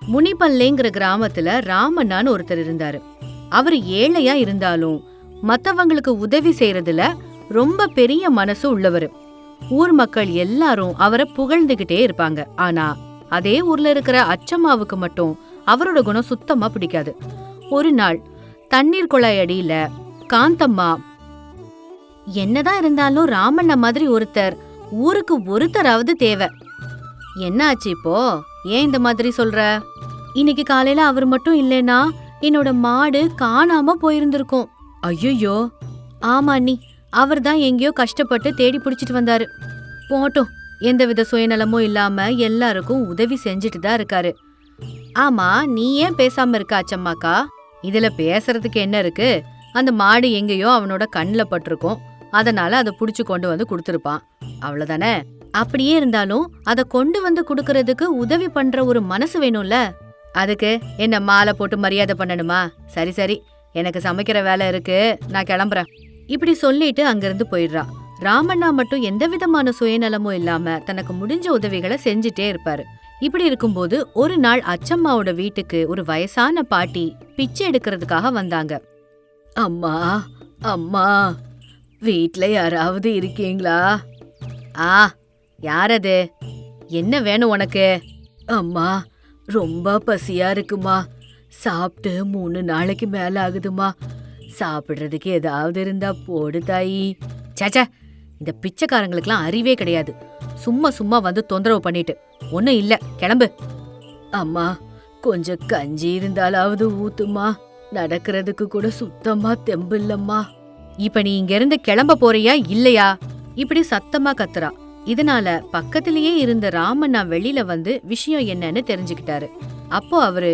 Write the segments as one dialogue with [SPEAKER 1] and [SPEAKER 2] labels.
[SPEAKER 1] முனிப்பல்லேங்கிற கிராமத்துல ராமண்ணான்னு ஒருத்தர் இருந்தாரு. அவரு ஏழையா இருந்தாலும் மத்தவங்களுக்கு உதவி செய்யறதுல ரொம்ப பெரிய மனசு உள்ளவரு. ஊர் மக்கள் எல்லாரும் அவரை புகழ்ந்துகிட்டே இருப்பாங்க. ஆனா அதே ஊர்ல இருக்கிற அச்சம்மாவுக்கு மட்டும் அவரோட குணம் சுத்தமா பிடிக்காது. ஒரு நாள் தண்ணீர் குழாய் அடியில காந்தம்மா, என்னதான் இருந்தாலும் ராமண்ண மாதிரி ஒருத்தர் ஊருக்கு ஒருத்தராவது தேவை. என்ன ஆச்சு இப்போ? ஏன் இந்த மாதிரி சொல்ற? இன்னைக்கு காலையில அவர் மட்டும் இல்லைன்னா என்னோட மாடு காணாம போயிருந்திருக்கும். ஐயோ, ஆமா அண்ணி, அவர் தான் எங்கேயோ கஷ்டப்பட்டு தேடி பிடிச்சிட்டு வந்தாரு. போட்டும், எந்தவித சுயநலமும் இல்லாம எல்லாருக்கும் உதவி செஞ்சுட்டு தான் இருக்காரு. ஆமா, நீ ஏன் பேசாம இருக்க அச்சம்மாக்கா? இதுல பேசுறதுக்கு என்ன இருக்கு? அந்த மாடு எங்கேயோ அவனோட கண்ணுல பட்டிருக்கும், அதனால அதை புடிச்சு கொண்டு வந்து கொடுத்துருப்பான், அவ்வளவுதானே. அப்படியே இருந்தாலும் அதை கொண்டு வந்து குடுக்கறதுக்கு உதவி பண்ற ஒரு மனசு வேணும்ல. அதுக்கு என்ன மாலை போட்டு மரியாதை பண்ணணுமா? சரி சரி, எனக்கு சமைக்கிற வேலை இருக்கு, நான் கிளம்புறேன். இப்படி சொல்லிட்டு அங்கிருந்து போயிடுறா. ராமண்ணா மட்டும் எந்த விதமான சுயநலமும் இல்லாம தனக்கு முடிஞ்ச உதவிகளை செஞ்சுட்டே இருப்பாரு. இப்படி இருக்கும்போது ஒரு நாள் அச்சம்மாவோட வீட்டுக்கு ஒரு வயசான பாட்டி பிச்சை எடுக்கிறதுக்காக வந்தாங்க. அம்மா, அம்மா, வீட்ல யாராவது இருக்கீங்களா? ஆ, யாரது? என்ன வேணும் உனக்கு? அம்மா, ரொம்ப பசியா இருக்குமா, சாப்பிட்டு 3 நாளைக்கு மேல ஆகுதுமா, சாப்பிடுறதுக்கு ஏதாவது இருந்தா போடு தாயி. சேச்சே, இந்த பிச்சைக்காரங்களுக்குலாம் அறிவே கிடையாது. சும்மா சும்மா வந்து தொந்தரவு பண்ணிட்டு ஒன்னும் இல்ல, கிளம்பு. அம்மா, கொஞ்சம் கஞ்சி இருந்தாலாவது ஊத்துமா, நடக்கிறதுக்கு கூட சுத்தமா தெம்பு இல்லம்மா. இப்ப நீ இங்க இருந்து கிளம்ப போறியா இல்லையா? இப்படி சத்தமா கத்துறா. இதனால பக்கத்திலேயே இருந்த ராமண்ணா வெளியில வந்து விஷயம் என்னன்னு தெரிஞ்சுக்கிட்டாரு. அப்போ அவரு,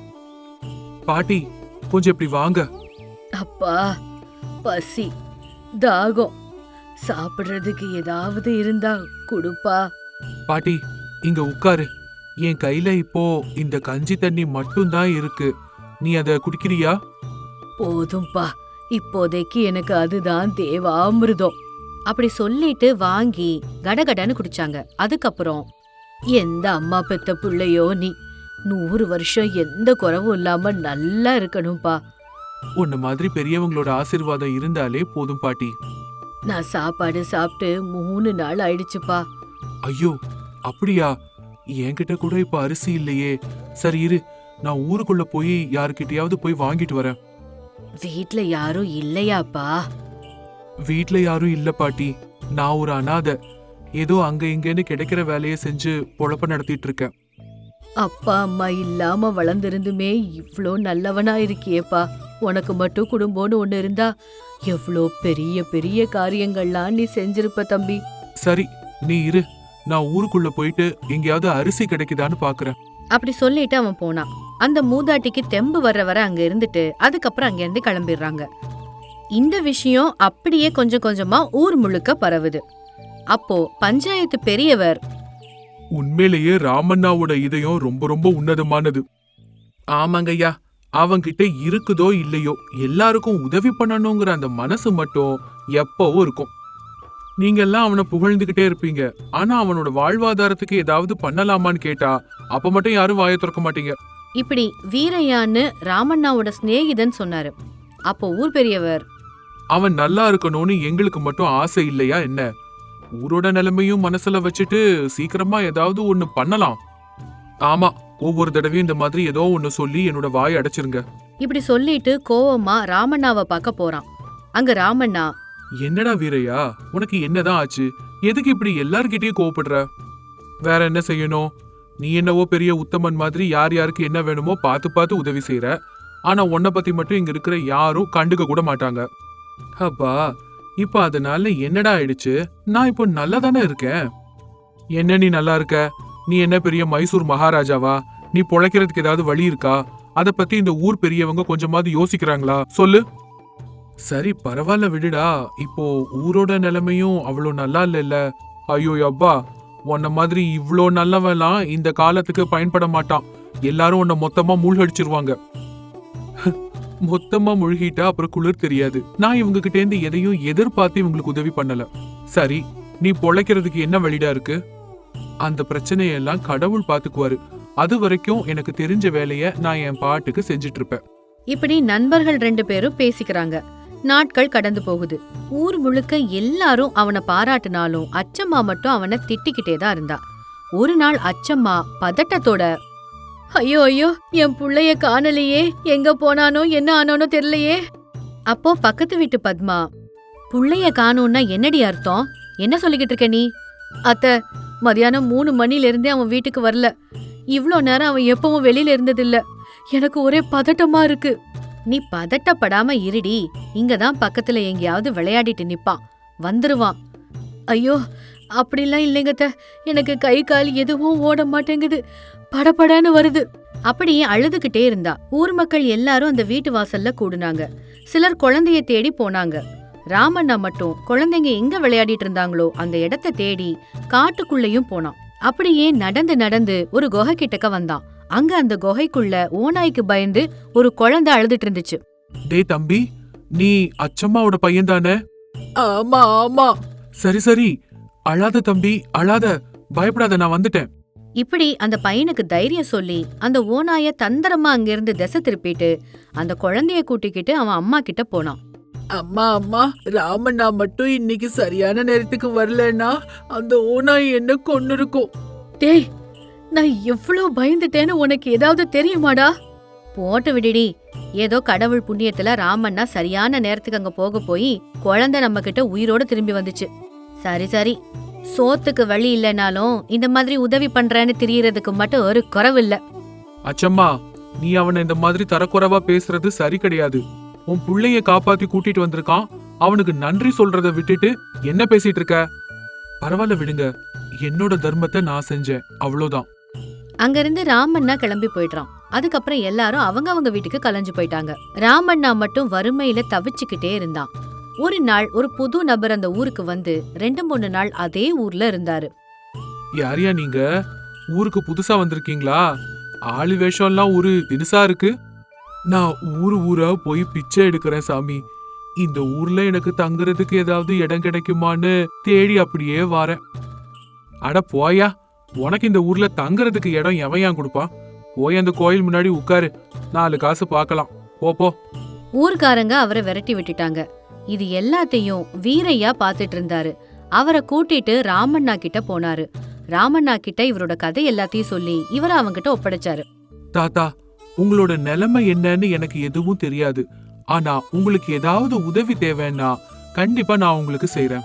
[SPEAKER 2] பாட்டி கொஞ்சம் இப்படி வாங்க.
[SPEAKER 1] அப்பா, பசி, தாகம், சாப்பிடுறதுக்கு ஏதாவது இருந்தா குடுப்பா.
[SPEAKER 2] பாட்டி இங்க உட்காரு. என் கையில இப்போ இந்த கஞ்சி தண்ணி மட்டும் தான் இருக்கு, நீ அத குடிக்கிறியா?
[SPEAKER 1] போதும்பா, இப்போதைக்கு எனக்கு அதுதான் தேவாமிர்தம். அப்படி சொல்லிட்டு வாங்கி கடகடன்னு குடிச்சாங்க. அதுக்கப்புறம், எந்த அம்மா பெத்த பிள்ளையோ நீ, 100 வருஷம் எந்த குறவும் இல்லாம நல்லா இருக்கணும்பா.
[SPEAKER 2] உன்ன மாதிரி பெரியவங்களோட ஆசீர்வாதம் இருந்தாலே போதும் பாட்டி.
[SPEAKER 1] நான் சாப்பாடு சாப்பிட்டு 3 நாள் ஆயிடுச்சுப்பா.
[SPEAKER 2] ஐயோ, அப்படியா? என்கிட்ட கூட இப்ப அரிசி இல்லையே. சரி இரு, நான் ஊருக்குள்ள போய் யாருக்கிட்டயாவது போய் வாங்கிட்டு வரேன்.
[SPEAKER 1] வீட்ல யாரும் இல்லையாப்பா?
[SPEAKER 2] வீட்ல யாரும் இல்ல பாட்டி, நான் ஒரு அனாதை. ஏதோ அங்க இங்கன்னு கிடைக்கிற வேலையை செஞ்சு பொழப்ப நடத்திட்டு இருக்கேன்.
[SPEAKER 1] அப்பா அம்மா இல்லாம வளர்ந்திருந்துமே இவ்ளோ நல்லவனா இருக்கியேப்பா. உனக்கு மட்டும் குடும்பம்னு ஒண்ணு இருந்தா எவ்ளோ பெரிய பெரிய காரியங்கள்லாம் நீ செஞ்சிருப்ப தம்பி.
[SPEAKER 2] சரி நீ இரு, நான் ஊருக்குள்ள போயிட்டு எங்கேயாவது அரிசி கிடைக்குதான்னு பாக்குறேன்.
[SPEAKER 1] அப்படி சொல்லிட்டு அவன் போனான். அந்த மூதாட்டிக்கு தெம்பு வர்ற வர அங்க இருந்துட்டு அதுக்கப்புறம் அங்க இருந்து கிளம்பிடுறாங்க. இந்த விஷயம் அப்படியே கொஞ்சம் கொஞ்சமா ஊர் முழுக்க பரவுது. அப்போ பஞ்சாயத்து பெரியவர்,
[SPEAKER 2] உண்மையிலேயே ராமண்ணாவோட இதயம் ரொம்ப ரொம்ப உன்னதமானது. ஆமாங்கய்யா, அவங்கிட்ட இருக்குதோ இல்லையோ எல்லாருக்கும் உதவி பண்ணணுங்கிற அந்த மனசு மட்டும் எப்பவும் இருக்கும். நீங்க எல்லாம் அவனை புகழ்ந்துகிட்டே இருப்பீங்க, ஆனா அவனோட வாழ்வாதாரத்துக்கு ஏதாவது பண்ணலாமான்னு கேட்டா அப்ப மட்டும் யாரும் வாயை திறக்க மாட்டீங்க.
[SPEAKER 1] இப்படி வீரையான்னு ராமண்ணாவோட சிநேகிதன் சொன்னாரு. அப்போ ஊர் பெரியவர்,
[SPEAKER 2] அவன் நல்லா இருக்கணும்னு எங்களுக்கு மட்டும் ஆசை இல்லையா என்ன? ஊரோட நிலைமையும் மனசுல வச்சுட்டு சீக்கிரமா ஏதாவது ஒண்ணு பண்ணலாம். ஆமா, ஒவ்வொரு தடவையும் இந்த மாதிரி ஏதோ ஒண்ணு சொல்லி என்னோட வாயை அடைச்சிருங்க.
[SPEAKER 1] இப்படி சொல்லிட்டு கோவமா ராமண்ணாவை பார்க்க போறான். அங்க ராமண்ணா,
[SPEAKER 2] என்னடா வீரையா, உனக்கு என்னதான் ஆச்சு? எதுக்கு இப்படி எல்லார்கிட்டயும் கோவப்படுற? வேற என்ன செய்யணும்? நீ என்னவோ பெரிய உத்தமன் மாதிரி யார் யாருக்கு என்ன வேணுமோ பார்த்து பார்த்து உதவி செய்யற. ஆனா உன்னை பத்தி மட்டும் இங்க இருக்கிற யாரும் கண்டுக்க கூட மாட்டாங்க. அப்பா, இப்ப அதனால என்னடா ஆயிடுச்சு? நான் இப்போ நல்லா தானே இருக்கேன். என்ன நீ நல்லா இருக்க? நீ என்ன பெரிய மைசூர் மகாராஜாவா? நீ பொழைக்கிறதுக்கு ஏதாவது வழி இருக்கா? அத பத்தி இந்த ஊர் பெரியவங்க கொஞ்சமாவது யோசிக்கிறாங்களா? சொல்லு. சரி பரவாயில்ல விடுடா, இப்போ ஊரோட நிலைமையும் அவ்வளோ நல்லா இல்ல. ஐயோ அப்பா, உன்ன மாதிரி இவ்ளோ நல்லவெல்லாம் இந்த காலத்துக்கு பயன்பட மாட்டான். எல்லாரும் உன்னை மொத்தமா மூழ்கடிச்சிருவாங்க. மொத்தமா முழுகிட்டா அப்புறம் குளிர் தெரியாது. நான் இவங்க கிட்ட இருந்து எதையும் எதிர்பார்த்து இவங்களுக்கு உதவி பண்ணல. சரி, நீ பொழைக்கிறதுக்கு என்ன வழிடா இருக்கு? அந்த பிரச்சனையெல்லாம் கடவுள் பாத்துக்குவாரு. அது வரைக்கும் எனக்கு தெரிஞ்ச வேலைய நான் என் பாட்டுக்கு செஞ்சுட்டு இருப்பேன்.
[SPEAKER 1] இப்படி நண்பர்கள் 2 பேரும் பேசிக்கிறாங்க. நாட்கள் கடந்து போகுது. ஊர் முழுக்க எல்லாரும் அவனை பாராட்டினாலும் அச்சம்மா மட்டும் அவனை திட்டிக்கிட்டே தான் இருந்தா. ஒரு நாள் அச்சம்மா பதட்டத்தோட, ஐயோ ஐயோ, என் புள்ளைய காணலையே, எங்க போனானோ என்ன ஆனானோ தெரியலையே. அப்போ பக்கத்து வீட்டு பத்மா, புள்ளைய காணோம்னா என்னடி அர்த்தம், என்ன சொல்லிக்கிட்டு இருக்க நீ? அத்த, மதியானம் 3 மணில இருந்தே அவன் வீட்டுக்கு வரல. இவ்ளோ நேரம் அவன் எப்பவும் வெளியில இருந்ததில்ல. எனக்கு ஒரே பதட்டமா இருக்கு. நீ பதட்டப்படாம இருடி, இங்கதான் பக்கத்துல எங்கேயாவது விளையாடிட்டு நிப்பான், வந்துருவான். ஐயோ, அப்படிலாம் இல்லைங்கத்த, எனக்கு கை கால் எதுவும் ஓட மாட்டேங்குது, படபடன்னு வருது. அப்படியே அழுதுகிட்டே இருந்தா. ஊர் மக்கள் எல்லாரும் அந்த வீட்டு வாசல்ல கூடுனாங்க. சிலர் குழந்தைய தேடி போனாங்க. ராமண்ணா மட்டும் குழந்தைங்க எங்க விளையாடிட்டு இருந்தாங்களோ அந்த இடத்த தேடி காட்டுக்குள்ளேயும் போனான். அப்படியே நடந்து நடந்து ஒரு குகை கிட்டக்க வந்தான். அங்க அந்த குகைக்குள்ள ஓநாய்க்கு பயந்து ஒரு குழந்தை அழுதுட்டு இருந்துச்சு.
[SPEAKER 2] டேய் தம்பி, நீ அச்சம்மாவோட பையன் தானே?
[SPEAKER 3] ஆமா ஆமா.
[SPEAKER 2] சரி சரி, அழாத தம்பி, அழாத, பயப்படாத, நான் வந்துட்டேன்.
[SPEAKER 1] இப்படி அந்த பையனுக்கு தைரியம் சொல்லி அந்த ஓநாய தந்திரமா அங்கிருந்து திசை திருப்பிட்டு அந்த குழந்தைய கூட்டிக்கிட்டு அவன் அம்மா கிட்ட போனான்.
[SPEAKER 3] அம்மா அம்மா, ராமண்ணா மட்டும் இன்னைக்கு சரியான நேரத்துக்கு வரலன்னா அந்த ஓநாய் என்ன கொன்னு இருக்கும்.
[SPEAKER 1] டேய், நான் எவ்வளவு பயந்துட்டேன்னு உனக்கு ஏதாவது தெரியுமாடா? போட்டு விடுடி, ஏதோ கடவுள் புண்ணியத்துல ராமண்ணா சரியான நேரத்துக்கு அங்க போக போய் குழந்தை நம்ம கிட்ட உயிரோட திரும்பி வந்துச்சு. சரி சரி, சோத்துக்கு வழி இல்லைனாலும் இந்த மாதிரி உதவி பண்றேன்னு தெரியறதுக்கு மட்டும் ஒரு குறவில்ல.
[SPEAKER 2] அச்சம்மா, நீ அவனை இந்த மாதிரி தரக்குறைவா பேசுறது சரி கிடையாது. உன் புள்ளைய காப்பாத்தி கூட்டிட்டு வந்திருக்கான், அவனுக்கு நன்றி சொல்றத விட்டுட்டு என்ன பேசிட்டு இருக்க? பரவாயில்ல விடுங்க, என்னோட தர்மத்தை நான் செஞ்சேன், அவ்வளவுதான்.
[SPEAKER 1] அங்கிருந்து ராமண்ணா கிளம்பி போயிட்டான். அதுக்கப்புறம் எல்லாரும் அவங்க வீட்டுக்கு கலைஞ்சு போயிட்டாங்க. ராமண்ணா மட்டும் வறுமையில தவிச்சுக்கிட்டே இருந்தான். ஒரு நாள் ஒரு புது நபர் அந்த ஊருக்கு வந்து 2-3 நாள் அதே ஊர்ல இருந்தாரு.
[SPEAKER 2] யாரியா நீங்க? ஊருக்கு புதுசா வந்திருக்கீங்களா? ஆளு வேஷம் எல்லாம் ஒரு தினுசா இருக்கு. நான் ஊரா போய் பிச்சை எடுக்கிறேன் சாமி. இந்த ஊர்ல எனக்கு தங்குறதுக்கு ஏதாவது இடம் கிடைக்குமான்னு தேடி அப்படியே வாரேன். அட போயா, உனக்கு இந்த ஊர்ல தங்குறதுக்கு இடம் எவையா கொடுப்பான்? போய் அந்த கோயில் முன்னாடி உட்காரு, 4 காசு பார்க்கலாம், போ.
[SPEAKER 1] ஊர்க்காரங்க அவரை விரட்டி விட்டுட்டாங்க. இது எல்லாத்தையும் வீரையா பாத்துட்டு இருந்தாரு. அவரை கூட்டிட்டு ராமண்ணா கிட்ட போனாரு. ராமண்ணா கிட்ட இவரோட கதை எல்லாத்தையும் சொல்லி இவரை அவங்கிட்ட ஒப்படைச்சாரு.
[SPEAKER 2] தாத்தா, உங்களோட நிலைமை என்னன்னு எனக்கு எதுவும் தெரியாது. ஆனா உங்களுக்கு ஏதாவது உதவி தேவைன்னா கண்டிப்பா நான் உங்களுக்கு செய்றேன்.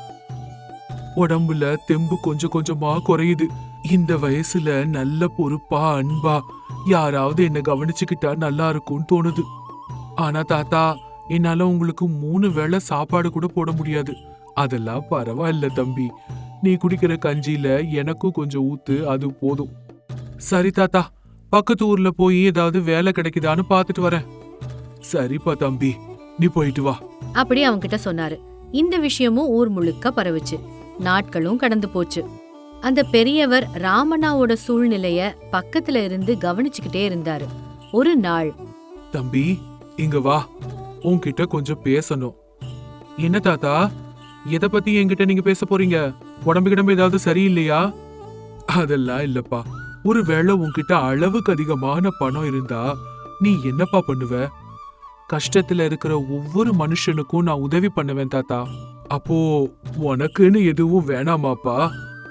[SPEAKER 2] உடம்புல தெம்பு கொஞ்சம் கொஞ்சமா குறையுது. இந்த வயசுல நல்ல பொறுப்பா அன்பா யாராவது என்ன கவனிச்சுக்கிட்டா நல்லா இருக்கும்னு தோணுது. ஆனா தாத்தா, என்னால உங்களுக்கு 3 வேளை சாப்பாடு கூட போட முடியாது. அதெல்லாம் பரவாயில்ல தம்பி, நீ குடிக்கிற கஞ்சியில எனக்கும் கொஞ்சம் ஊத்து, அது போதும். சரி தாத்தா, பக்கத்து ஊர்ல போய் ஏதாவது வேலை கிடைக்குதான்னு பாத்துட்டு வரேன். சரிப்பா தம்பி, நீ போயிட்டு வா.
[SPEAKER 1] அப்படி அவன்கிட்ட சொன்னாரு. இந்த விஷயமும் ஊர் முழுக்க பரவுச்சு. நாட்களும் கடந்து போச்சு. அந்த பெரியவர் ராமண்ணாவோட சூழ்நிலைய பக்கத்துல இருந்து கவனிச்சுக்கிட்டே இருந்தாரு. ஒரு நாள்,
[SPEAKER 2] தம்பி இங்க வா, உன்கிட்ட கொஞ்சம் பேசணும். என்ன தாத்தா, எதை பத்தி என்கிட்ட நீங்க பேச போறீங்க? உடம்பு கிடம்பு ஏதாவது சரியில்லையா? அதெல்லாம் இல்லப்பா. ஒருவேளை உன்கிட்ட அளவுக்கு அதிகமான பணம் இருந்தா நீ என்னப்பா பண்ணுவ? கஷ்டத்துல இருக்கிற ஒவ்வொரு மனுஷனுக்கும் நான் உதவி பண்ணுவேன் தாத்தா. அப்போ உனக்குன்னு எதுவும் வேணாமாப்பா?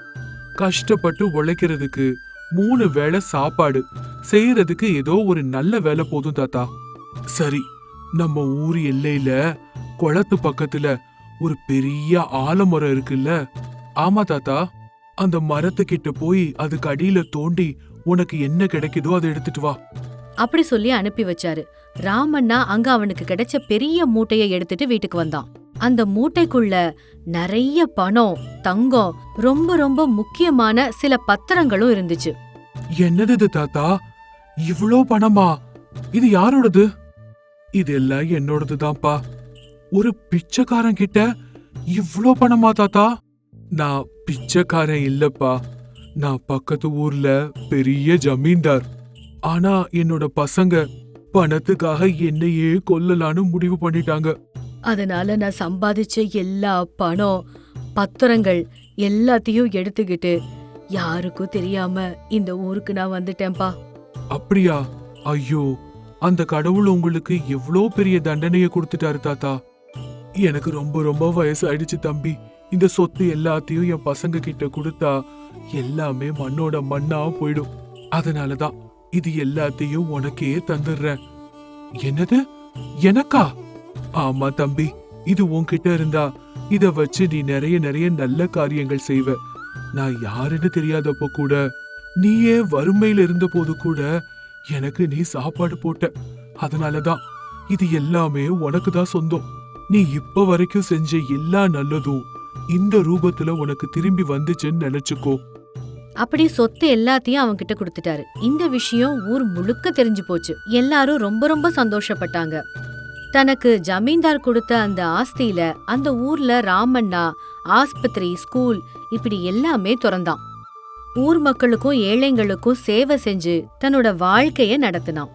[SPEAKER 2] கஷ்டப்பட்டு உழைக்கிறதுக்கு 3 வேளை சாப்பாடு செய்யறதுக்கு ஏதோ ஒரு நல்ல வேலை போதும் தாத்தா. சரி, நம்ம ஊர் எல்லையில குளத்து பக்கத்துல ஒரு பெரிய ஆலமரம் இருக்குல்ல? ஆமா தாத்தா. அந்த மரத்துக்கிட்ட போய் அதுக்கு அடியில தோண்டி உனக்கு என்ன கிடைக்குதோ அதை எடுத்துட்டு வா.
[SPEAKER 1] அப்படி சொல்லி அனுப்பி வச்சாரு. ராமண்ணா அங்க அவனுக்கு கிடைச்ச பெரிய மூட்டைய எடுத்துட்டு வீட்டுக்கு வந்தான். அந்த மூட்டைக்குள்ள நிறைய பணம், தங்கம், ரொம்ப ரொம்ப முக்கியமான சில பத்திரங்களும் இருந்துச்சு.
[SPEAKER 2] என்னது இது தாத்தா, இவ்ளோ பணமா? இது யாரோடது? இதெல்லாம் என்னோடது தான்ப்பா. ஒரு பிச்சைக்காரன் கிட்ட இவ்ளோ பணமா தாத்தா? நான் பிச்சைக்காரன் இல்லப்பா, நான் பக்கத்து ஊர்ல பெரிய ஜமீன்தார். ஆனா என்னோட பசங்க பணத்துக்காக என்னையே கொல்லலான்னு முடிவு பண்ணிட்டாங்க.
[SPEAKER 1] அதனால நான் சம்பாதிச்ச எல்லா பணம், பத்திரங்கள் எல்லாத்தையும் எடுத்துக்கிட்டு யாருக்கும் தெரியாம இந்த ஊருக்கு நான் வந்துட்டேன்பா.
[SPEAKER 2] அப்படியா? ஐயோ, அந்த கடவுள் உங்களுக்கு எவ்வளோ பெரிய தண்டனையை கொடுத்துட்டாரு தாத்தா. எனக்கு ரொம்ப ரொம்ப வயசாயிடுச்சு தம்பி. இந்த சொத்து எல்லாத்தையும் என் பசங்க கிட்ட கொடுத்தா எல்லாமே மண்ணோட மண்ணா போயிடும். அதனாலதான் இது எல்லாத்தையும் உனக்கே தந்துடுறேன். என்னது, எனக்கா? ஆமா தம்பி, இது உன்கிட்ட இருந்தா இத வச்சு நீ நிறைய நிறைய நல்ல காரியங்கள் செய்வ. நான் யாருன்னு தெரியாதப்போ கூட, நீயே வறுமையில இருந்த போது கூட எனக்கு நீ சாப்பாடு போட்ட. அதனாலதான் இது எல்லாமே உனக்கு தான் சொந்தம். நீ இப்ப வரைக்கும் செஞ்ச எல்லா நல்லதும் இந்த ரூபத்துல உனக்கு திரும்பி வந்துச்சுன்னு நினைச்சுக்கோ.
[SPEAKER 1] அப்படி சொத்து எல்லாத்தையும் அவங்க கிட்ட கொடுத்துட்டாரு. இந்த விஷயம் ஊர் முழுக்க தெரிஞ்சு போச்சு. எல்லாரும் ரொம்ப ரொம்ப சந்தோஷப்பட்டாங்க. தனக்கு ஜமீன்தார் கொடுத்த அந்த ஆஸ்தியில அந்த ஊர்ல ராமண்ணா ஆஸ்பத்திரி, ஸ்கூல் இப்படி எல்லாமே திறந்தான். ஊர் மக்களுக்கும் ஏழைங்களுக்கும் சேவை செஞ்சு தன்னோட வாழ்க்கைய நடத்தினான்.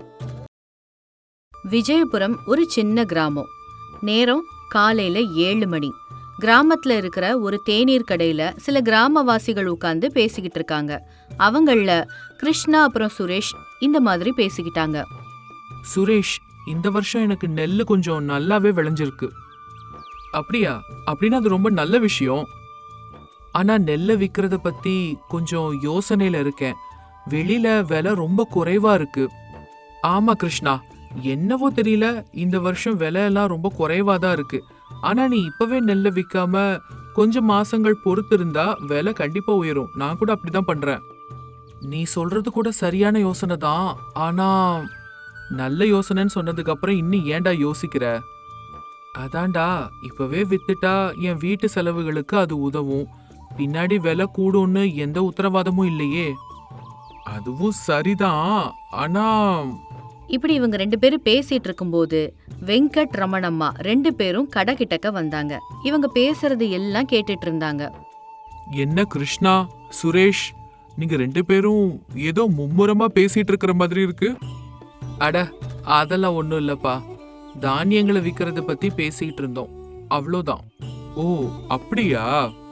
[SPEAKER 1] விஜயபுரம் ஒரு சின்ன கிராமம். நேரம் காலையில 7 மணி. கிராமத்துல இருக்கிற ஒரு தேநீர் கடையில சில கிராமவாசிகள் உட்கார்ந்து பேசிக்கிட்டு இருக்காங்க. அவங்கள கிருஷ்ணா அப்புறம் சுரேஷ் இந்த மாதிரி பேசிக்கிட்டாங்க.
[SPEAKER 3] சுரேஷ், இந்த வருஷம் எனக்கு நெல்லு கொஞ்சம் நல்லாவே விளைஞ்சிருக்கு. அப்படியா? அப்படின்னா அது ரொம்ப நல்ல விஷயம். ஆனா நெல்லை விற்கிறத பத்தி கொஞ்சம் யோசனையில இருக்கேன். வெளியில விலை ரொம்ப குறைவா இருக்கு. ஆமா கிருஷ்ணா, என்னவோ தெரியல, இந்த வருஷம் விலை எல்லாம் ரொம்ப குறைவா தான் இருக்கு. ஆனா நீ இப்பவே நெல்லை விற்காம கொஞ்சம் மாசங்கள் பொறுத்து இருந்தா விலை கண்டிப்பா உயரும். நான் கூட அப்படிதான் பண்றேன். நீ சொல்றது கூட சரியான யோசனை தான். ஆனா நல்ல யோசனைன்னு சொன்னதுக்கு அப்புறம் இன்னும் ஏன்டா யோசிக்கிற? அதான்டா, இப்பவே வித்துட்டா என் வீட்டு செலவுகளுக்கு அது உதவும். பின்னாடி விலை கூடும்னு எந்த உத்தரவாதமும் இல்லையே.
[SPEAKER 2] அதுவும் சரிதான். ஆனா
[SPEAKER 1] இப்படி இவங்க 2 பேரும் பேசிட்டு இருக்கும்போது வெங்கட் ரமணம்மா 2 பேரும் கடை கிட்டக்க வந்தாங்க. இவங்க பேசுறது எல்லாம் கேட்டுட்டு இருந்தாங்க.
[SPEAKER 2] என்ன கிருஷ்ணா, சுரேஷ், நீங்க 2 பேரும் ஏதோ மும்முரமா பேசிட்டு இருக்கிற மாதிரி இருக்கு.
[SPEAKER 3] அட, அதெல்லாம் ஒண்ணும் இல்லப்பா. தானியங்களை விற்கிறத பத்தி பேசிட்டு இருந்தோம், அவ்வளோதான்.
[SPEAKER 2] ஓ, அப்படியா?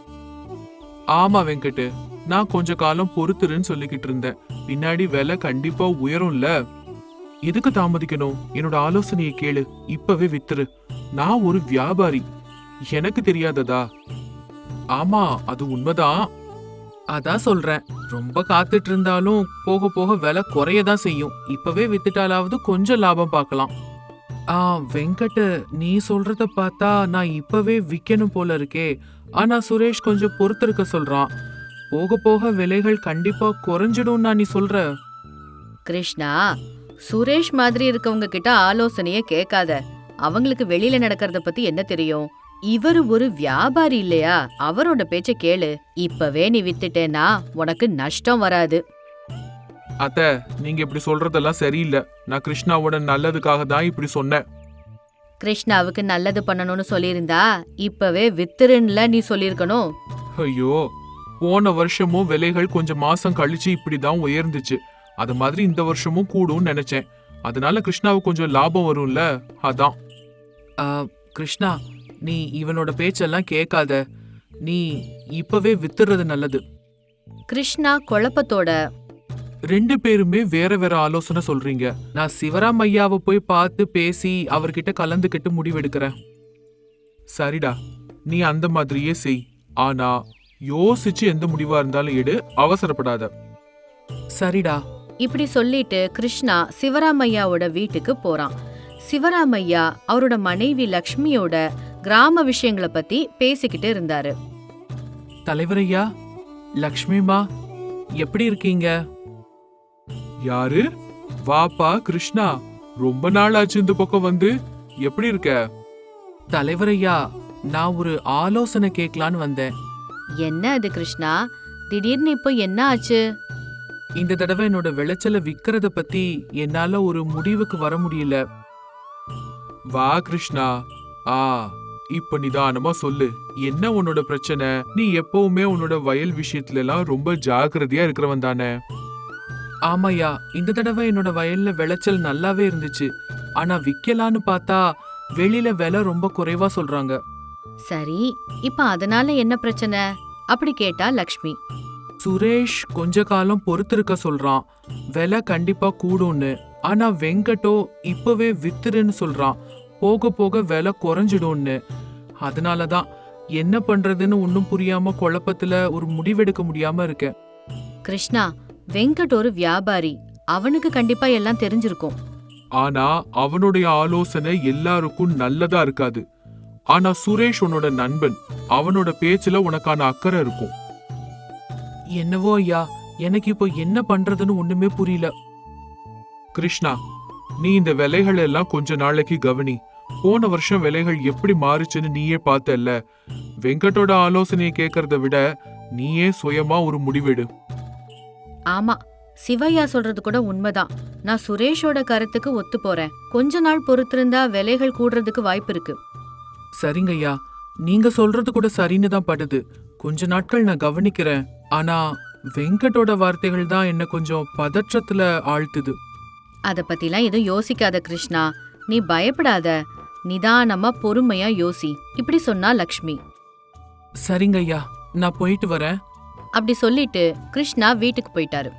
[SPEAKER 2] ஆமா வெங்கட், நான் கொஞ்ச காலம் பொறுத்துருன்னு சொல்லிக்கிட்டு இருந்தேன். பின்னாடி விலை கண்டிப்பா உயரும்ல. எதுக்கு தாமதிக்கணும்? என்னோட ஆலோசனையை கேளு, இப்பவே வித்துரு. நான் ஒரு வியாபாரி, எனக்கு தெரியாததா? ஆமா, அது உண்மைதான்.
[SPEAKER 3] அதான் சொல்றேன், ரொம்ப காத்துட்டு இருந்தாலும் போக போக விலை குறையதான் செய்யும். இப்பவே வித்துட்டாலாவது கொஞ்சம் லாபம் பார்க்கலாம். வெங்கட், நீ சொல்றத பார்த்தா நான் இப்பவே விக்கணும் போல இருக்கே. ஆனா சுரேஷ் கொஞ்சம் பொறுத்திருக்க சொல்றான். போக போக விலைகள் கண்டிப்பா குறைஞ்சிடும் நீ சொல்ற.
[SPEAKER 1] கிருஷ்ணா, சுரேஷ் மாதிரி இருக்கவங்க கிட்ட ஆலோசனைய கேட்காத. அவங்களுக்கு வெளியில நடக்கிறத பத்தி என்ன தெரியும்? இவரு ஒரு வியாபாரி இல்லையா? அவரோட பேச்ச கேளு. இப்பவே நீ வித்துட்டேன்னா உனக்கு நஷ்டம் வராது.
[SPEAKER 2] அத்த, நீங்க இப்படி சொல்றதெல்லாம் சரியில்லை. நான் கிருஷ்ணாவோட நல்லதுக்காக தான் இப்படி சொன்னேன்.
[SPEAKER 1] கிருஷ்ணாவுக்கு நல்லது பண்ணணும்னு சொல்லியிருந்தா இப்பவே வித்துருன்னுல நீ சொல்லிருக்கணும்.
[SPEAKER 2] ஐயோ, போன வருஷமும் விலைகள் கொஞ்சம் மாசம் கழிச்சு இப்படிதான் உயர்ந்துச்சு. அது மாதிரி இந்த வருஷமும் கூடும்னு நினைச்சேன். அதனால கிருஷ்ணாவுக்கு கொஞ்சம் லாபம் வரும்ல, அதான்.
[SPEAKER 3] கிருஷ்ணா, நீ இவனோட பேச்செல்லாம் கேட்காத. நீ இப்பவே வித்துறது நல்லது.
[SPEAKER 1] கிருஷ்ணா குழப்பத்தோட
[SPEAKER 2] 2 பேருமே வேற வேற ஆலோசனை சொல்றீங்க.
[SPEAKER 3] நான் சிவராம் ஐயாவை போய் பார்த்து பேசி அவர்கிட்ட கலந்துக்கிட்டு முடிவெடுக்கிறேன்.
[SPEAKER 2] சரிடா, நீ அந்த மாதிரியே செய். ஆனா யோசிச்சு எந்த முடிவா இருந்தாலும் எடு, அவசரப்படாத.
[SPEAKER 3] சரிடா.
[SPEAKER 1] இப்படி சொல்லிட்டு கிருஷ்ணா சிவராமையாவோட வீட்டுக்கு போறான். சிவராமையா அவரோட மனைவி லக்ஷ்மியோட கிராம விஷயங்களை பத்தி பேசிக்கிட்டு இருந்தாரு.
[SPEAKER 3] தலைவரையா, லக்ஷ்மிமா, எப்படி இருக்கீங்க?
[SPEAKER 2] யாரு? வாப்பா கிருஷ்ணா, ரொம்ப நாள் ஆச்சு இந்த பக்கம் வந்து. எப்படி இருக்க?
[SPEAKER 3] தலைவரையா, நான் ஒரு ஆலோசனை கேட்கலான்னு வந்தேன்.
[SPEAKER 1] என்ன அது கிருஷ்ணா, திடீர்னு இப்போ என்ன ஆச்சு?
[SPEAKER 3] இந்த தடவை என்னோட விளைச்சலை விக்கிறத பத்தி என்னால ஒரு முடிவுக்கு வர முடியல.
[SPEAKER 2] வா கிருஷ்ணா, இப்ப நிதானமா சொல்லு, என்ன உன்னோட பிரச்சனை? நீ எப்பவுமே உன்னோட வயல் விஷயத்துல எல்லாம் ரொம்ப ஜாக்கிரதையா இருக்கிறவன் தானே?
[SPEAKER 3] ஆமாய்யா, இந்த தடவை என்னோட வயல்ல விளைச்சல் நல்லாவே இருந்துச்சு. ஆனா விக்கலான்னு பார்த்தா வெளியில விலை ரொம்ப குறைவா சொல்றாங்க.
[SPEAKER 1] சரி, இப்ப அதனால என்ன பிரச்சனை? அப்படி கேட்டா லக்ஷ்மி.
[SPEAKER 3] சுரேஷ் கொஞ்ச காலம் பொறுத்திருக்க சொல்றான், விலை கண்டிப்பா கூடும்னு. ஆனா வெங்கட்டோ இப்பவே வித்துருன்னு சொல்றான், போக போக விலை குறைஞ்சிடும்னு. அதனாலதான் என்ன பண்றதுன்னு ஒன்னும் புரியாம குழப்பத்துல ஒரு முடிவெடுக்க முடியாம இருக்கேன்.
[SPEAKER 1] கிருஷ்ணா, வெங்கட் ஒரு வியாபாரி, அவனுக்கு கண்டிப்பா எல்லாம் தெரிஞ்சிருக்கும்.
[SPEAKER 2] ஆனா அவனுடைய ஆலோசனை எல்லாருக்கும் நல்லதா இருக்காது. ஆனா சுரேஷ் உன்னோட நண்பன், அவனோட பேச்சுல உனக்கான அக்கறை இருக்கும்.
[SPEAKER 3] என்னவோ ஐயா, எனக்கு இப்போ என்ன பண்றதுன்னு ஒண்ணுமே புரியல.
[SPEAKER 2] கிருஷ்ணா, நீ இந்த விலைகள் எல்லாம் கொஞ்ச நாளைக்கு கவனி. போன வருஷம் விலைகள் எப்படி மாறுச்சுன்னு நீயே பார்த்தல்ல. வெங்கட்டோட ஆலோசனையை கேட்கறத விட நீயே சுயமா ஒரு முடிவெடு.
[SPEAKER 1] ஆமா, சிவையா சொல்றது கூட உண்மைதான். நான் சுரேஷோட கருத்துக்கு ஒத்து போறேன். கொஞ்ச நாள் பொறுத்திருந்தா விலைகள் கூடுறதுக்கு வாய்ப்பு இருக்கு.
[SPEAKER 3] சரிங்க ஐயா, நீங்க சொல்றது கூட சரின்னு தான் படுது. கொஞ்ச நாட்கள் நான் கவனிக்கிறேன். ஆனா வெங்கட்டோட வார்த்தைகள் தான் என்ன கொஞ்சம் பதற்றத்துல ஆழ்த்துது.
[SPEAKER 1] அத பத்திலாம் எதுவும் யோசிக்காத கிருஷ்ணா, நீ பயப்படாத. நிதானமா பொறுமையா யோசி. இப்படி சொன்னா லக்ஷ்மி.
[SPEAKER 3] சரிங்க ஐயா, நான் போயிட்டு வரேன்.
[SPEAKER 1] அப்படி சொல்லிட்டு கிருஷ்ணா வீட்டுக்கு போயிட்டாரு.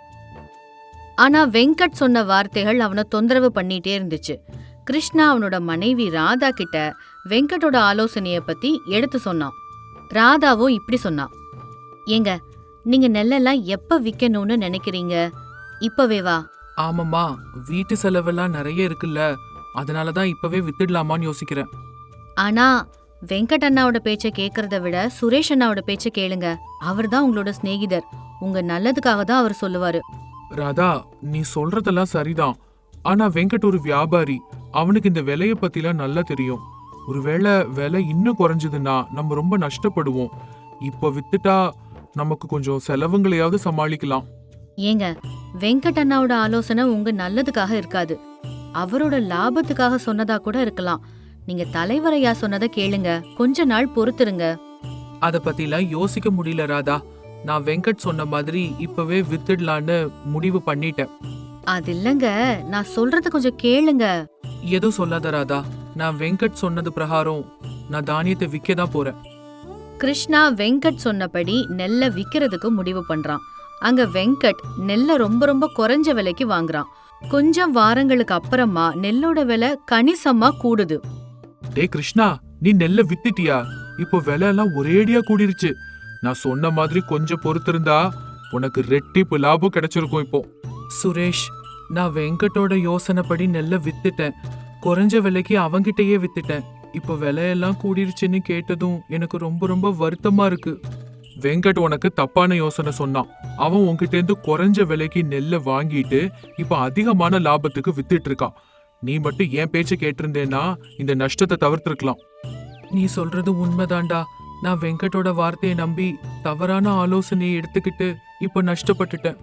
[SPEAKER 1] ஆனா வெங்கட் சொன்ன வார்த்தைகள் அவனை தொந்தரவு பண்ணிட்டே இருந்துச்சு. கிருஷ்ணா அவனோட மனைவி ராதா கிட்ட வெங்கட்டோட ஆலோசனைய பத்தி எடுத்து சொன்னான். ராதாவும் இப்படி சொன்னான், ஏங்க, நீங்க நெல்லெல்லாம் எப்ப விக்கணும்னு நினைக்கிறீங்க? இப்பவே வா.
[SPEAKER 3] ஆமாம்மா, வீட்டு செலவெல்லாம் நிறைய இருக்குல்ல, அதனாலதான் இப்பவே வித்துடலாமான்னு யோசிக்கிறேன்.
[SPEAKER 1] ஆனா வெங்கட் அண்ணாவோட பேச்ச கேக்குறத விட சுரேஷ் அண்ணாவோட பேச்ச கேளுங்க. அவர்தான் உங்களோட சிநேகிதர். உங்க நல்லதுக்காக தான் அவர் சொல்லுவாரு.
[SPEAKER 2] ராதா, நீ சொல்றதெல்லாம் சரிதான். ஆனா வெங்கட் ஒரு வியாபாரி, அவனுக்கு இந்த விலைய பத்திலாம் நல்லா தெரியும். ஒருவேளை விலை இன்னும் குறைஞ்சதுன்னா நம்ம ரொம்ப நஷ்டப்படுவோம். இப்போ வித்துட்டா நமக்கு கொஞ்சம் செலவுங்களையாவது சமாளிக்கலாம்.
[SPEAKER 1] ஏங்க, வெங்கட் அண்ணாவோட ஆலோசனை உங்க நல்லதுக்காக இருக்காது. அவரோட லாபத்துக்காக சொன்னதா கூட இருக்கலாம். நீங்க தலைவரையா சொன்னதை கேளுங்க. கொஞ்ச நாள் பொறுத்துருங்க.
[SPEAKER 3] அத பத்திலாம் யோசிக்க முடியல ராதா. நான் வெங்கட் சொன்ன மாதிரி இப்பவே வித்துடலான்னு முடிவு பண்ணிட்டேன்.
[SPEAKER 1] அது இல்லங்க, நான் சொல்றத கொஞ்சம் கேளுங்க.
[SPEAKER 3] எதுவும் சொல்லாத ராதா. நான் வெங்கட் சொன்னது பிரகாரம் நான் தானியத்தை விற்க தான் போறேன்.
[SPEAKER 1] கிருஷ்ணா வெங்கட் சொன்னபடி நெல்லை விக்கிறதுக்கு முடிவு பண்றான். அங்க வெங்கட் நெல்லை ரொம்ப ரொம்ப குறைஞ்ச விலைக்கு வாங்குறான். கொஞ்சம் வாரங்களுக்கு அப்புறமா நெல்லோட விலை கணிசமா கூடுது.
[SPEAKER 2] டே கிருஷ்ணா, நீ நெல்ல வித்துட்டியா? இப்போ விலை எல்லாம் ஒரேடியா கூடிருச்சு. நான் சொன்ன மாதிரி கொஞ்சம் பொறுத்திருந்தா உனக்கு ரெட்டிப்பு லாபம் கிடைச்சிருக்கும். இப்போ
[SPEAKER 3] சுரேஷ், நான் வெங்கட்டோட யோசனைப்படி நெல்லை வித்துட்டேன். குறைஞ்ச விலைக்கு அவங்கிட்டயே வித்துட்டேன். இப்போ விலையெல்லாம் கூடிருச்சுன்னு கேட்டதும் எனக்கு ரொம்ப ரொம்ப வருத்தமா இருக்கு.
[SPEAKER 2] வெங்கட் உனக்கு தப்பான யோசனை சொன்னான். அவன் உன்கிட்ட இருந்து குறைஞ்ச விலைக்கு நெல்லை வாங்கிட்டு இப்ப அதிகமான லாபத்துக்கு வித்துட்டு இருக்கான். நீ மட்டும் என் பேச்ச கேட்டிருந்தேன்னா இந்த நஷ்டத்தை தவிர்த்திருக்கலாம்.
[SPEAKER 3] நீ சொல்றது உண்மைதான்டா. நான் வெங்கட்டோட வார்த்தையை நம்பி தவறான ஆலோசனையை எடுத்துக்கிட்டு இப்போ நஷ்டப்பட்டுட்டேன்.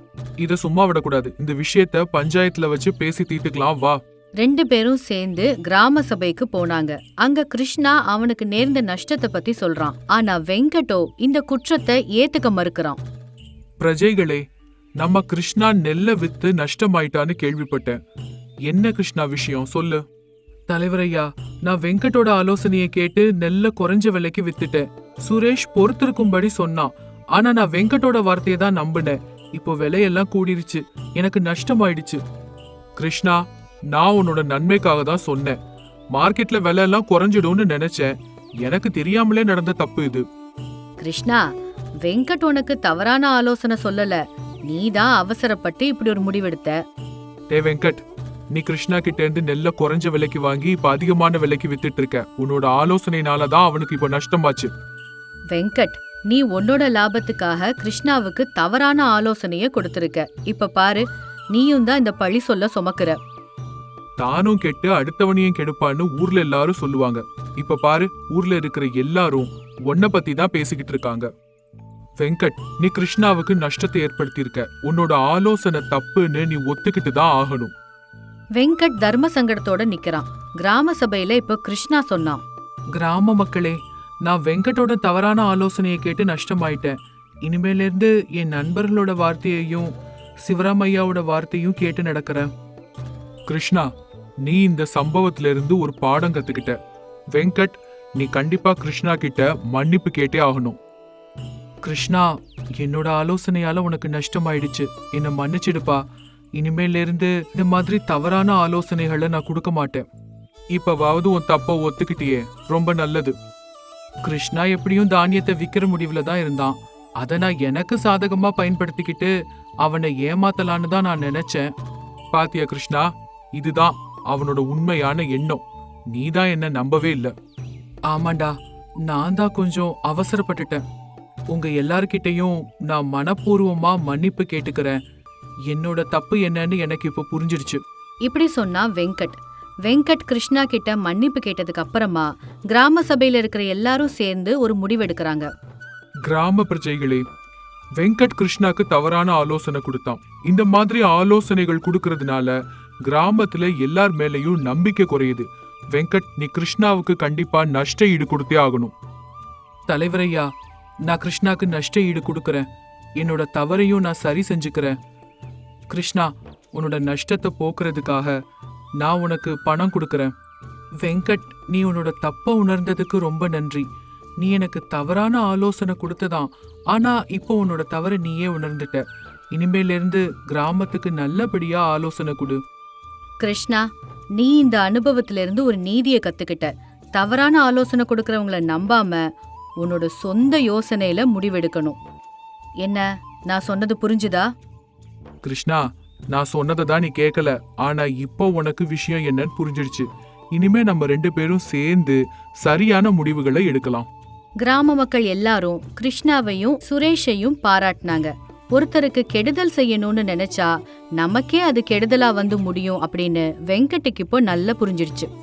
[SPEAKER 2] இத சும்மா விடக்கூடாது. இந்த விஷயத்த பஞ்சாயத்துல வச்சு பேசி தீர்த்துக்கலாம், வா.
[SPEAKER 1] 2 பேரும் சேர்ந்து கிராம சபைக்கு போனாங்க. அங்க கிருஷ்ணா அவனுக்கு நேர்ந்த நஷ்டத்தை பத்தி சொல்றான். ஆனா வெங்கட்டோ இந்த குற்றத்தை ஏத்துக்க மறுக்கிறான்.
[SPEAKER 2] பிரஜைகளே, நம்ம கிருஷ்ணா நெல்லை வித்து நஷ்டமாயிட்டான்னு கேள்விப்பட்டேன். என்ன கிருஷ்ணா விஷயம் சொல்லு.
[SPEAKER 3] தலைவரையா, நான் வெங்கட்டோட ஆலோசனையை கேட்டு நெல்லை குறைஞ்ச விலைக்கு வித்துட்டேன். சுரேஷ் பொறுத்திருக்கும்படி சொன்னான். ஆனா நான் வெங்கட்டோட வார்த்தையை தான் நம்பினேன். இப்போ விலையெல்லாம் கூடிருச்சு, எனக்கு நஷ்டமாயிடுச்சு.
[SPEAKER 2] கிருஷ்ணா, நான் உன்னோட நன்மைக்காக தான் சொன்னேன். மார்க்கெட்ல விலை எல்லாம் குறைஞ்சிடும்னு நினைச்சேன். எனக்கு தெரியாமலே நடந்த தப்பு இது.
[SPEAKER 1] கிருஷ்ணா, வெங்கட் உனக்கு தவறான ஆலோசனை சொல்லல. நீதான் அவசரப்பட்டு இப்படி ஒரு முடிவெடுத்த.
[SPEAKER 2] டே வெங்கட், நீ கிருஷ்ணா கிட்ட இருந்து நெல்ல குறைஞ்ச விலைக்கு வாங்கி இப்ப அதிகமான விலைக்கு வித்துட்டு இருக்க. உன்னோட ஆலோசனைனாலதான் அவனுக்கு இப்ப நஷ்டமாச்சு.
[SPEAKER 1] வெங்கட், நீ உன்னோட லாபத்துக்காக கிருஷ்ணாவுக்கு தவறான ஆலோசனைய கொடுத்திருக்க. இப்ப பாரு, நீயும் தான் இந்த பழி சொல்ல சுமக்குற.
[SPEAKER 2] தானும் கெட்டு அடுத்தவனையும் கெடுப்பான்னு ஊர்ல எல்லாரும் சொல்லுவாங்க. இப்ப பாரு, ஊர்ல இருக்கிற எல்லாரும் உன்னை பத்தி தான் பேசிக்கிட்டு இருக்காங்க. வெங்கட், நீ கிருஷ்ணாவுக்கு நஷ்டத்தை ஏற்படுத்தியிருக்க. உன்னோட ஆலோசனை தப்புன்னு நீ ஒத்துக்கிட்டு தான் ஆகணும்.
[SPEAKER 1] வெங்கட் தர்ம சங்கடத்தோட நிக்கிறான். கிராம சபையில இப்ப கிருஷ்ணா சொன்னான்,
[SPEAKER 3] கிராம மக்களே, நான் வெங்கட்டோட தவறான ஆலோசனையை கேட்டு நஷ்டமாயிட்டேன். இனிமேல இருந்து என் நண்பர்களோட வார்த்தையையும் சிவராமையாவோட வார்த்தையும் கேட்டு நடக்கிறேன்.
[SPEAKER 2] கிருஷ்ணா, நீ இந்த சம்பவத்துல இருந்து ஒரு பாடம் கத்துக்கிட்ட. வெங்கட், நீ கண்டிப்பா கிருஷ்ணா கிட்ட மன்னிப்பு கேட்டே ஆகணும்.
[SPEAKER 3] கிருஷ்ணா, என்னோட ஆலோசனையால உனக்கு நஷ்டமாயிடுச்சு. என்னை மன்னிச்சிடுப்பா. இனிமேல இருந்து இந்த மாதிரி தவறான ஆலோசனைகளை நான் கொடுக்க மாட்டேன்.
[SPEAKER 2] இப்பவாவது உன் தப்ப ஒத்துக்கிட்டியே, ரொம்ப நல்லது.
[SPEAKER 3] கிருஷ்ணா எப்படியும் தானியத்தை விக்கிற முடிவுல தான் இருந்தான். அதை நான் எனக்கு சாதகமா பயன்படுத்திக்கிட்டு அவனை ஏமாத்தலான்னு தான் நான் நினைச்சேன்.
[SPEAKER 2] பாத்தியா கிருஷ்ணா, இதுதான் அவனோட உண்மையான எண்ணம். நீதான் என்ன நம்பவே இல்ல.
[SPEAKER 3] ஆமாண்டா, நான் தான் கொஞ்சம் அவசரப்பட்டுட்டேன். உங்க எல்லார்கிட்டயும் நான் மனப்பூர்வமா மன்னிப்பு கேட்டுக்கிறேன். என்னோட தப்பு என்னன்னு எனக்கு இப்ப புரிஞ்சிடுச்சு.
[SPEAKER 1] இப்படி சொன்னா வெங்கட். வெங்கட் கிருஷ்ணா கிட்ட மன்னிப்பு கேட்டதுக்கு அப்புறமா கிராம சபையில இருக்கிற எல்லாரும் சேர்ந்து ஒரு முடிவெடுக்கிறாங்க.
[SPEAKER 2] கிராம பிரஜைகளே, வெங்கட் கிருஷ்ணாக்கு தவறான ஆலோசனை கொடுத்தான். இந்த மாதிரி ஆலோசனைகள் கொடுக்கறதுனால கிராமத்துல எல்லார் மேலயும் நம்பிக்கை குறையுது. வெங்கட், நீ கிருஷ்ணாவுக்கு கண்டிப்பா நஷ்ட ஈடு கொடுத்தே ஆகணும்.
[SPEAKER 3] தலைவரையா, நான் கிருஷ்ணாக்கு நஷ்ட ஈடு கொடுக்கறேன். என்னோட தவறையும் நான் சரி செஞ்சுக்கிறேன். கிருஷ்ணா, உன்னோட நஷ்டத்தை போக்குறதுக்காக நான் உனக்கு பணம் கொடுக்கறேன். வெங்கட், நீ உன்னோட தப்ப உணர்ந்ததுக்கு ரொம்ப நன்றி. நீ எனக்கு தவறான ஆலோசனை கொடுத்ததான். ஆனா இப்போ உன்னோட தவறை நீயே உணர்ந்துட்ட. இனிமேல இருந்து கிராமத்துக்கு நல்லபடியா ஆலோசனை கொடு.
[SPEAKER 1] கிருஷ்ணா, நீ இந்த அனுபவத்துல இருந்து ஒரு நீதியை கத்துக்கிட்ட. தவறான ஆலோசனை கொடுக்கறவங்கள நம்பாம உன்னோட சொந்த யோசனையில முடிவெடுக்கணும். என்ன, நான் சொன்னது புரிஞ்சுதா?
[SPEAKER 2] கிருஷ்ணா, நான் சொன்னதை தான் நீ கேட்கல. ஆனா இப்போ உனக்கு விஷயம் என்னன்னு புரிஞ்சிடுச்சு. இனிமே நம்ம 2 பேரும் சேர்ந்து சரியான முடிவுகளை எடுக்கலாம்.
[SPEAKER 1] கிராம மக்கள் எல்லாரும் கிருஷ்ணாவையும் சுரேஷையும் பாராட்டினாங்க. ஒருத்தருக்கு கெடுதல் செய்யணும்னு நினைச்சா நமக்கே அது கெடுதலா வந்து முடியும் அப்படின்னு வெங்கட்டுக்கு இப்போ நல்லா புரிஞ்சிடுச்சு.